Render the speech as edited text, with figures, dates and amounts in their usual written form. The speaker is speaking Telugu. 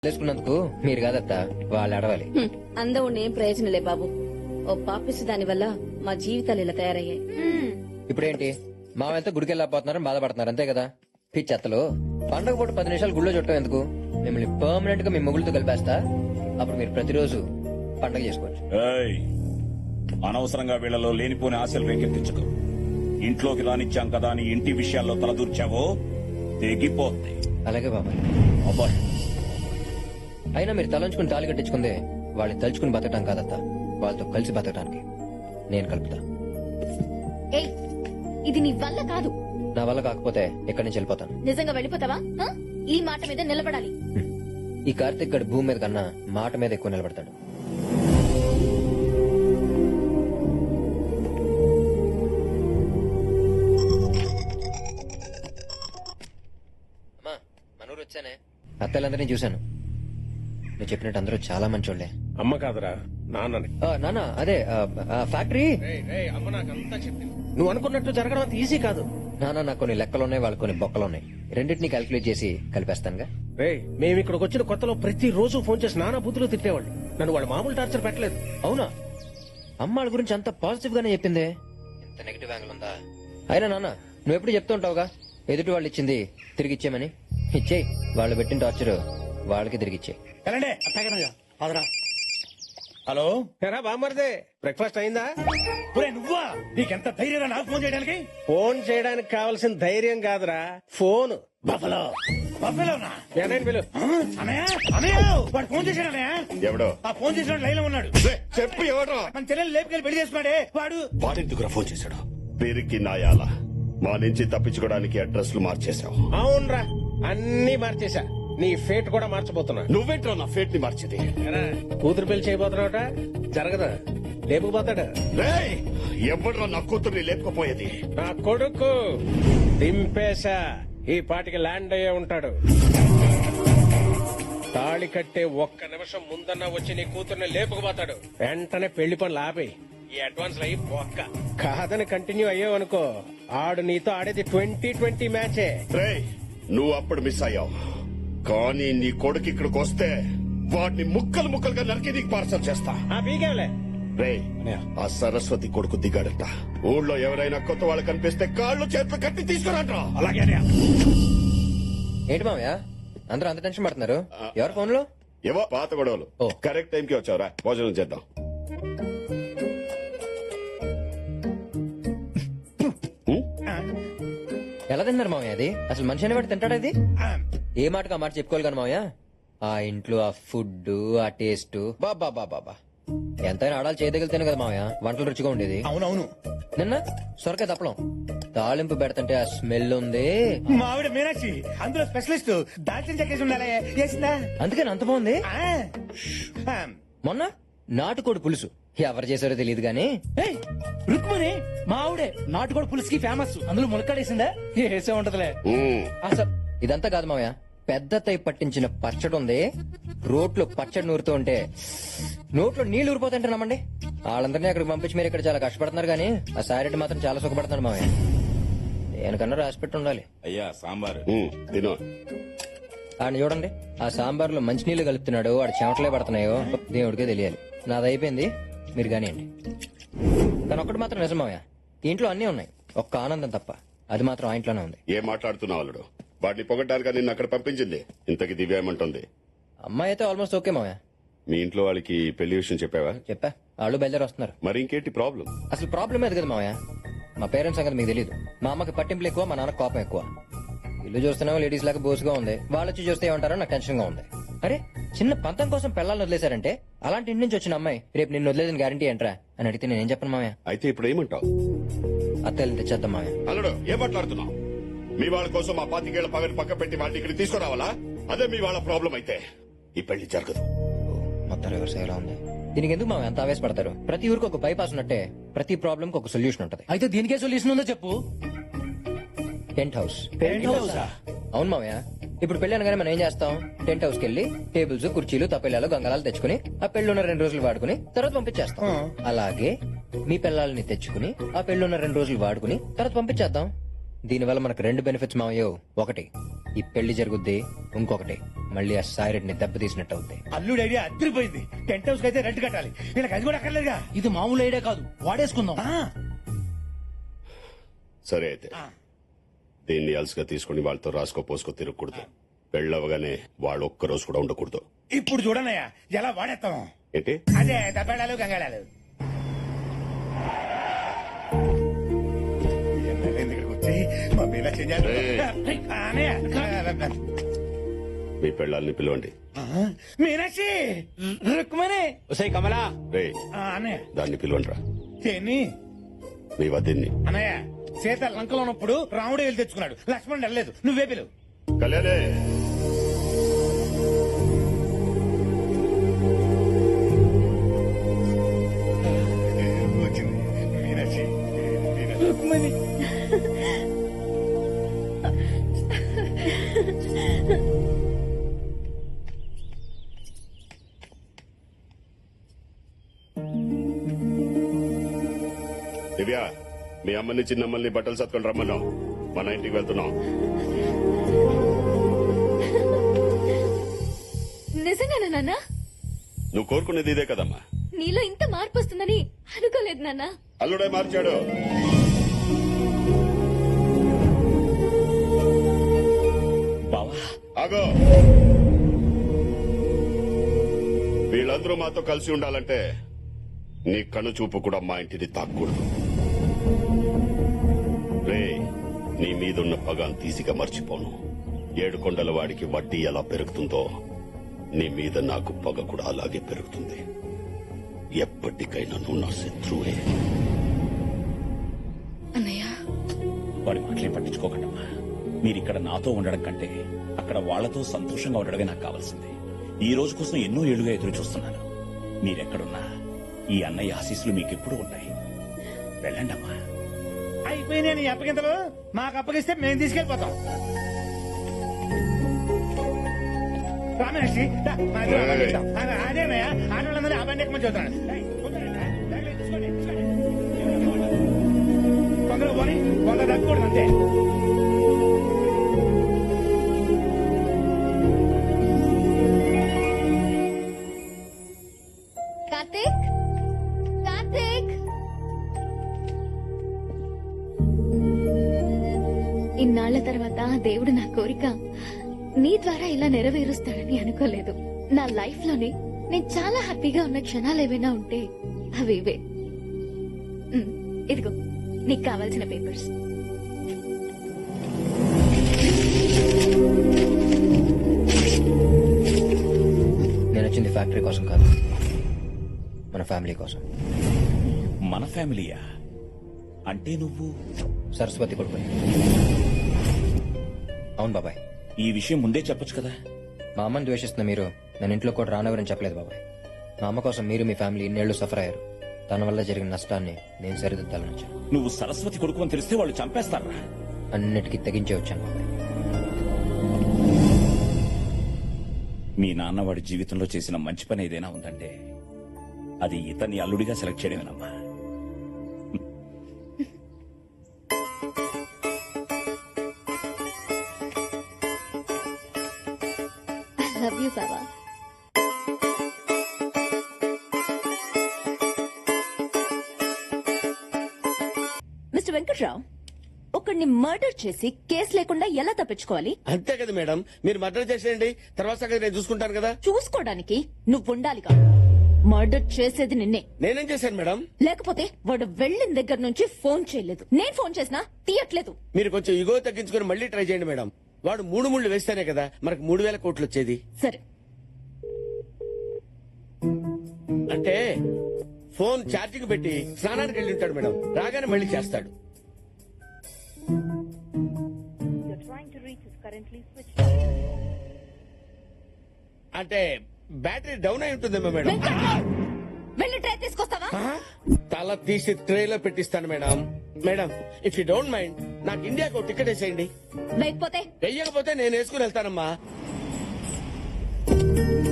తెలుసుకున్నందుకు మీరు కాదత్తా వాళ్ళు అడవాలి. అందం ఉండి ఏం ప్రయోజనలే బాబు. ఓ పాపిస్తు దాని వల్ల మా జీవితాలు ఇలా తయారయ్యాయి. ఇప్పుడేంటి మావెంత గుడికి వెళ్ళకపోతున్నారని బాధపడుతున్నారు అంతే కదా. పిచ్చెత్తలు పండగ పూట 10 నిమిషాలు గుళ్ళో చుట్టం ఎందుకు? మిమ్మల్ని పర్మనెంట్ గా మీ మొగుళ్ళతో కలిపేస్తా. అప్పుడు మీరు ప్రతిరోజు పండగ చేసుకోవచ్చు. ఏయ్, అనవసరంగా వీళ్లలో లేనిపోని ఆశలు రేకెత్తించకు. ఇంట్లోకి రానిచ్చాం కదా అని ఇంటి విషయాల్లో తలదూర్చావో తెగిపోద్ది. అలాగే బాబాయ్. అబ్బాయి అయినా మీరు తలంచుకుని తాళి కట్టించుకుందే వాళ్ళని తలుచుకుని బతకడం కాదత్తా, వాళ్ళతో కలిసి బతకడానికి నేను కలుపుతా. ఏయ్, ఇది నీ వల్ల కాదు. నా వల్ల కాకపోతే ఎక్కడి నుంచి వెళ్ళిపోతాను. నిజంగా వెళ్ళిపోతావా? ఆ? ఈ మాట మీద నిలబడాలి. ఈ కార్తిక్ గడు భూమి మీద కన్నా మాట మీద ఎక్కువ నిలబడతాడు. అమ్మా, మనూరు వచ్చానే. అత్తలందరినీ చూశాను. నువ్వు చెప్పినట్టు అందరూ చాలా మంచోళ్లే. అమ్మ కాదురా, నాన్నని. నానా అదే ఫ్యాక్టరీ. అమ్మ నాకంతా చెప్పింది. నువ్వు అనుకున్నట్టు జరగడం అంత ఈజీ కాదు. నానా నాకు కొన్ని లెక్కలున్నాయి, వాళ్ళకి కొన్ని బొక్కలున్నాయి. రెండింటినీ క్యాల్కులేట్ చేసి కలిపేస్తానుగా. రే, మేము ఇక్కడికి వచ్చిన కొత్తలో ప్రతి రోజు ఫోన్ చేసి నానా బుద్ధులు తిట్టేవాళ్ళు. నన్ను వాళ్ళు మామూలు టార్చర్ పెట్టలేదు. అవునా? అమ్మాళ్ళ గురించి అంత పాజిటివ్ గానే చెప్పిందే. ఇంత నెగిటివ్ యాంగిల్ ఉందా? అయినా నాన్న నువ్వు ఎప్పుడు చెప్తూ ఉంటావుగా ఎదుటి వాళ్ళు ఇచ్చింది తిరిగి ఇచ్చేయమని. ఇచ్చేయి. వాళ్ళు పెట్టిన టార్చర్ వాళ్ళకి తిరిగి ఇచ్చేయి. హలో, ఎరా బామ్మర్దే, బ్రేక్ఫాస్ట్ అయిందా? నువ్వా? నీకెంత ధైర్యం నాకు ఫోన్ చేయడానికి? ఫోన్ చేయడానికి కావాల్సిన ధైర్యం కాదురా, ఫోన్. బఫలో బఫలోనా? ఏనాయన పిలు. అనయ్య అనయ్య, వాడు ఫోన్ చేశాడు అన్నయ్య. ఎవడో ఆ ఫోన్ చేసిన లైన్ లో ఉన్నాడు. చెప్పు ఎవడో. మన చెల్లెలు లేపుకెళ్ళి పెళ్లి చేసుకున్నాడే వాడు. వాడెందుకురా ఫోన్ చేశాడు? పేరుకి నాయాల మా నుంచి తప్పించుకోవడానికి అడ్రస్లు మార్చేశావు. అవునరా, అన్ని మార్చేశా. నీ ఫేట్ కూడా మార్చబోతున్నా. నువ్వేంట్రా నా ఫేట్ ని మార్చేది? ఎరా, కూతురు పెళ్లి చేయబోతున్నావుట, జరగదా? లేపుకుపోతాడా? రేయ్, ఎవడ్రా నా కూతుర్ని లేపుకుపోయేది? నా కొడుకు దింపేశా. ఈ పాటికి ల్యాండ్ అయ్యే ఉంటాడు. తాళి కట్టే ఒక్క నిమిషం ముందన్నా వచ్చి నీ కూతుర్ని లేపుకుపోతాడు. వెంటనే పెళ్లి పనులు ఆపేయి. ఈ అడ్వాన్స్ అయ్యి ఒక్క కాదని కంటిన్యూ అయ్యావనుకో, ఆడు నీతో ఆడేది 2020 మ్యాచే. రేయ్, నువ్వు అప్పుడు మిస్ అయ్యావు. కానీ నీ కొడుకు ఇక్కడికి వస్తే వాడిని ముక్కలు ముక్కలుగా నరికి నీకు పార్సల్ చేస్తా. ఆ పీకేవలే. రేయ్, ఆ సరస్వతి కొడుకు దిగాడట. ఊళ్ళో ఎవరైనా కొత్త వాళ్ళు కనిపిస్తే కాళ్ళు చేతులు కట్టి తీసుకురంట్రా. అలాగే అన్నయ్య. ఏంటి మామయ్య అందరూ అంత టెన్షన్ పడుతున్నారు? ఎవరు ఫోన్ లో? ఏవో పాత గొడవలు. ఓ. కరెక్ట్ టైంకి వచ్చావురా, భోజనం చేద్దాం. ఎలా తిన్నారు మామయ్య? అది అసలు మనిషి అనేవాడు తింటాడు? అది ఏ మాటకు ఆ మాట చెప్పుకోవాలి కానీ మామయ్య. ఆ ఇంట్లో ఆ ఫుడ్, ఆ టేస్ట్, బాబా బాబా ఎంతైనా ఆడాలి చేయదగిలితేనే కదా మామయ్య వంటలు రుచిగా ఉండేది. అవునవును. నిన్న సొరకాయ తప్పలం తాలింపు పెడతంటే ఆ స్మెల్ ఉంది. మా ఆవిడ మీనాక్షి అందులో స్పెషలిస్ట్. దాల్చిన చెక్కేసి ఉండాలి. చేసిందా? అందుకని అంత బాగుంది. ఆ. మొన్న నాటుకోడి పులుసు ఎవరు చేశారో తెలియదు గానీ రుక్మణి మా ఆవిడే నాటుకోడి పులుసుకి ఫేమస్. అందులో ములక్కాడేసిందా? వేసే ఉంటదిలే. అసలు ఇదంతా కాదు మామయ్య, పెద్ద తై పట్టించిన పచ్చడి ఉంది. రోట్లో పచ్చడి నూరుతూ ఉంటే నోట్లో నీళ్లు ఊరిపోతుంటే నమ్మండి. వాళ్ళందరినీ అక్కడికి పంపించి మీరు ఇక్కడ చాలా కష్టపడుతున్నారు కానీ ఆ సారెడ్డి మాత్రం చాలా సుఖపడుతున్నాడు మామయ్య. దేనికన్నా రాసిపెట్టి ఉండాలి. అయ్యా సాంబారు తిను. ఆయన చూడండి, ఆ సాంబార్లో మంచినీళ్లు కలుపుతున్నాడు, వాడు చెమటలే పడుతున్నాయో దేవుడికే తెలియాలి. నాది అయిపోయింది, మీరు కానివ్వండి. కానీ ఒక్కటి మాత్రం నిజం మామయ్య, ఈ ఇంట్లో అన్నీ ఉన్నాయి, ఒక్క ఆనందం తప్ప. అది మాత్రం ఆ ఇంట్లోనే ఉంది. ఏం మాట్లాడుతున్నావు అల్లుడు? వాడిని పొగడ్డానికి నిన్ను అక్కడ పంపించింది. ఇంతకి దివ్య ఏమంటుంది? అమ్మాయి అయితే ఆల్మోస్ట్ ఓకే మామయ్య. మీ ఇంట్లో వాళ్ళకి పెళ్లి విషయం చెప్పావా? చెప్పా, వాళ్ళు బయలుదేరి వస్తున్నారు. మరి ఇంకేంటి ప్రాబ్లం? అసలు ప్రాబ్లం అది కదా మామయ్య, మా పేరెంట్స్ సంగతి మీకు తెలియదు. మా అమ్మకి పట్టింపులు ఎక్కువ, మా నాన్న కోపం ఎక్కువ. ఇల్లు చూస్తున్నామో లేడీస్ లాగా బోసుగా ఉంది, వాళ్ళు వచ్చి చూస్తే ఏమంటారో నాకు టెన్షన్ గా ఉంది. అరే, చిన్న పంతం కోసం పిల్లల్ని వదిలేశారంటే అలాంటి ఇంటి నుంచి వచ్చిన అమ్మాయి రేపు నిన్ను వదిలేదని గ్యారంటీ ఏంట్రా అని అడిగితే నేనేం చెప్పను మామయ్య. అయితే ఇప్పుడు ఏమంటావు? అత్తయ్యని తెచ్చేద్దాం మామయ్య. అల్లుడు, ఏం మాట్లాడుతున్నావు? మీ వాళ్ళ కోసం ఆ 25 ఏళ్ల పగని పక్క పెట్టి వాళ్ళని ఇక్కడ తీసుకురావాలా? అదే మీ వాళ్ళ ప్రాబ్లం అయితే ఈ పెళ్లి జరగదు. మొత్తం రివర్స్ అయ్యేలా ఉంది. దీనికి ఎందుకు మామయ్య అంత ఆవేశపడతారు? ప్రతి ఊరికి ఒక బైపాస్ ఉన్నట్టే ప్రతి ప్రాబ్లం కి ఒక సొల్యూషన్ ఉంటది. అయితే దీనికే సొల్యూషన్ ఉందో చెప్పు. Tent house. అవును మామయ్య, ఇప్పుడు పెళ్లి అనగానే మనం ఏం చేస్తాం? టెంట్ హౌస్ కి వెళ్లి టేబుల్స్, కుర్చీలు, తప్పెళ్ళాలు, గంగళాలు తెచ్చుకుని ఆ పెళ్లిన్న 2 రోజులు వాడుకుని తర్వాత పంపించేస్తాం. అలాగే మీ పిల్లల్ని తెచ్చుకుని ఆ పెళ్లిన్న 2 రోజులు వాడుకుని తర్వాత పంపించేద్దాం. దీనివల్ల మనకు 2 బెనిఫిట్స్ మావయ్యో. ఒకటి, ఈ పెళ్లి జరుగుద్ది. ఇంకొకటి, మళ్ళీ ఆ సాయిరెడ్డిని దెబ్బతీసినట్టు అవుతాయి. అల్లుడు ఐడియా అదిరిపోయింది. టెంట్ హౌస్ కి అయితే రెంట్ కట్టాలి, వీళ్ళకి అది కూడా అక్కర్లేదుగా. ఇది మామూలు ఐడియా కాదు, వాడేసుకుందాం. సరే అయితే దీన్ని అలసిగా తీసుకుని వాళ్ళతో రాసుకో పోసుకో తిరగకూడదు. పెళ్ళవగానే వాళ్ళు ఒక్కరోజు కూడా ఉండకూడదు. ఇప్పుడు చూడనయ్యా ఎలా వాడేస్తాం. ఏంటి అదే దబ్బేళాలు గంగాళాలు. ఇక్కడికి వచ్చి మా పిల్ల చెయ్యాలి. మీ పెళ్ళాలని పిలవండి. మీనాక్షి, రుక్మణి, కమలా రే అన్నయ్య దాన్ని పిలవండి రా. దేన్ని మీ వదిన్ని. అన్నయ్య, సీత లంకలో ఉన్నప్పుడు రాముడు వెళ్ళి తెచ్చుకున్నాడు, లక్ష్మణుడు వెళ్ళలేదు. నువ్వే పిలువు. కళ్యాణే వచ్చింది మీనాక్షి. రుక్మణి దివ్య, మీ అమ్మని చిన్నమ్మల్ని బట్టలు సత్కొని రమ్మన్నాం. మన ఇంటికి వెళ్తున్నాం. నిజంగానా నాన్న? నువ్వు కోరుకునేది ఇదే కదమ్మా. నీలో ఇంత మార్పు వస్తుందని అనుకోలేదు నాన్న. అల్లుడే మార్చాడు. బావా ఆగో, వీళ్ళందరూ మాతో కలిసి ఉండాలంటే నీ కను చూపు కూడా మా ఇంటిని తాక్కూడదు. రే, నీ మీదున్న పగాన్ తీసిగా మర్చిపోను. 7 కొండల వాడికి వడ్డీ ఎలా పెరుగుతుందో నీ మీద నాకు పగ కూడా అలాగే పెరుగుతుంది. ఎప్పటికైనా నువ్వు నా శత్రువే. అన్నయ్య, వాడి మాటలే పట్టించుకోకండమ్మా. మీరిక్కడ నాతో ఉండడం కంటే అక్కడ వాళ్లతో సంతోషంగా ఉండడమే నాకు కావాల్సింది. ఈ రోజు కోసం ఎన్నో ఏళ్లుగా ఎదురు చూస్తున్నాను. మీరెక్కడున్నా ఈ అన్నయ్య ఆశీస్సులు మీకెప్పుడు ఉన్నాయి. వెళ్ళండమ్మా. అయిపోయినాయి నీ అప్పగింతలు. మాకు అప్పగిస్తే మేము తీసుకెళ్లిపోతాం. రామేషి, అదేనయ్యా, ఆడవాళ్ళందరూ ఆ బండి ఎక్కమని చూస్తాను. కొందరు పోనీ, కొందరు తగ్గకూడదు అంతే. కార్తీక్, కార్తీక్, ఇన్నాళ్ల తర్వాత దేవుడు నా కోరిక నీ ద్వారా ఇలా నెరవేరుస్తాడని అనుకోలేదు. నా లైఫ్ లోనే నేను చాలా హ్యాపీగా ఉన్న క్షణాలు ఏవైనా ఉంటే అవి ఇవే. ఇదిగో నీకు కావాల్సిన పేపర్స్. నేను వచ్చింది ఫ్యాక్టరీ కోసం కాదు, మన ఫ్యామిలీ కోసం. మన ఫ్యామిలీయా? అంటే నువ్వు సరస్వతి కొడుకు. అవును బాబాయ్. ఈ విషయం ముందే చెప్పొచ్చు కదా. మా అమ్మని ద్వేషిస్తున్న మీరు నేను ఇంట్లో కూడా రానవరని చెప్పలేదు బాబాయ్. మా అమ్మ కోసం మీరు మీ ఫ్యామిలీ ఇన్నేళ్లు సఫర్ అయ్యారు. తన వల్ల జరిగిన నష్టాన్ని నేను సరిదిద్దాలని వచ్చాను. నువ్వు సరస్వతి కొడుకు అని తెలిస్తే వాళ్ళు చంపేస్తారా? అన్నిటికీ తెగించే వచ్చాను బాబాయ్. మీ నాన్న వాడి జీవితంలో చేసిన మంచి పని ఏదైనా ఉందంటే అది ఇతన్ని అల్లుడిగా సెలెక్ట్ చేయడమేనమ్మా. ఐ లవ్ యూ బాబా. మిస్టర్ వెంకట్రావు, ఒకడిని మర్డర్ చేసి కేసు లేకుండా ఎలా తప్పించుకోవాలి? అంతే కదా మేడం, మీరు మర్డర్ చేసేయండి, తర్వాత సంగతి నేను చూసుకుంటాను కదా. చూసుకోవడానికి నువ్వు ఉండాలిగా. మర్డర్ చేసేది నిన్నే. నేనేం చేశాను మేడం? లేకపోతే వాడు వెళ్ళిన దగ్గర నుంచి ఫోన్ చేయలేదు. నేను ఫోన్ చేసినా తీయట్లేదు. మీరు కొంచెం ఇగో తగ్గించుకుని మళ్ళీ ట్రై చేయండి మేడం. వాడు 3 ముళ్ళు వేస్తేనే కదా మనకు 3000 కోట్లు వచ్చేది. సరే, అంటే ఫోన్ ఛార్జింగ్ పెట్టి స్నానానికి వెళ్ళి ఉంటాడు మేడం, రాగానే మళ్ళీ చేస్తాడు. అంటే బ్యాటరీ డౌన్ అయి ఉంటుందేమో మేడం. వెంకట్రావు, వెళ్ళి ట్రై తీసుకొస్తావా? తల తీసి ట్రేలో పెట్టిస్తాను madam. Madam, if you don't mind నాకు ఇండియాకు ఒక టికెట్ వేసేయండి. లేకపోతే వెయ్యకపోతే నేను వేసుకుని వెళ్తానమ్మా.